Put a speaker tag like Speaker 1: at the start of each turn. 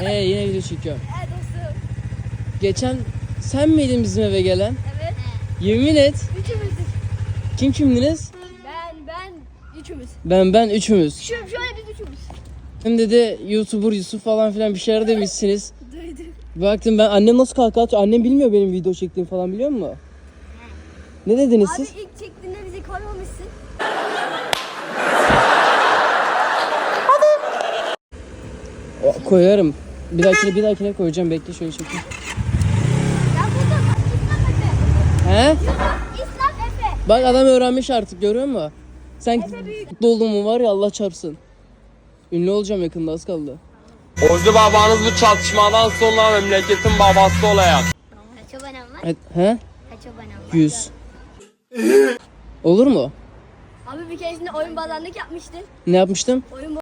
Speaker 1: Yine video çekiyorum.
Speaker 2: Dostum.
Speaker 1: Geçen sen miydin bizim eve gelen?
Speaker 2: Evet.
Speaker 1: Yemin et.
Speaker 2: Üçümüzdük.
Speaker 1: Kim kimdiniz?
Speaker 2: Ben üçümüz.
Speaker 1: Ben üçümüz.
Speaker 2: Şöyle biz üçümüz.
Speaker 1: Hem de YouTuber Yusuf falan filan bir şeyler demişsiniz.
Speaker 2: Duydum.
Speaker 1: Baktım ben annem nasıl kahkaha atıyor. Annem bilmiyor benim video çektiğimi falan biliyor musun? Ne dediniz
Speaker 2: Abi
Speaker 1: siz?
Speaker 2: ilk çektiğinde bizi koymamışsın.
Speaker 1: Koyarım. Bir dahakine koyacağım. Bekle şöyle çekeyim.
Speaker 2: Ya burada bak İslam Efe.
Speaker 1: He?
Speaker 2: İslam Efe.
Speaker 1: Bak adam öğrenmiş artık görüyor musun? Sen
Speaker 2: Efe büyük.
Speaker 1: mutlu oldun mu var ya Allah çarpsın. Ünlü olacağım yakında az kaldı.
Speaker 3: Ozi babanız bu çatışmadan sonra memleketin babası olacak.
Speaker 2: Kaç abonem var?
Speaker 1: He?
Speaker 2: Kaç abonem var?
Speaker 1: 100. Olur mu?
Speaker 2: Abi bir keresinde oyun bazanlık yapmıştın.
Speaker 1: Ne yapmıştım?
Speaker 2: Oyun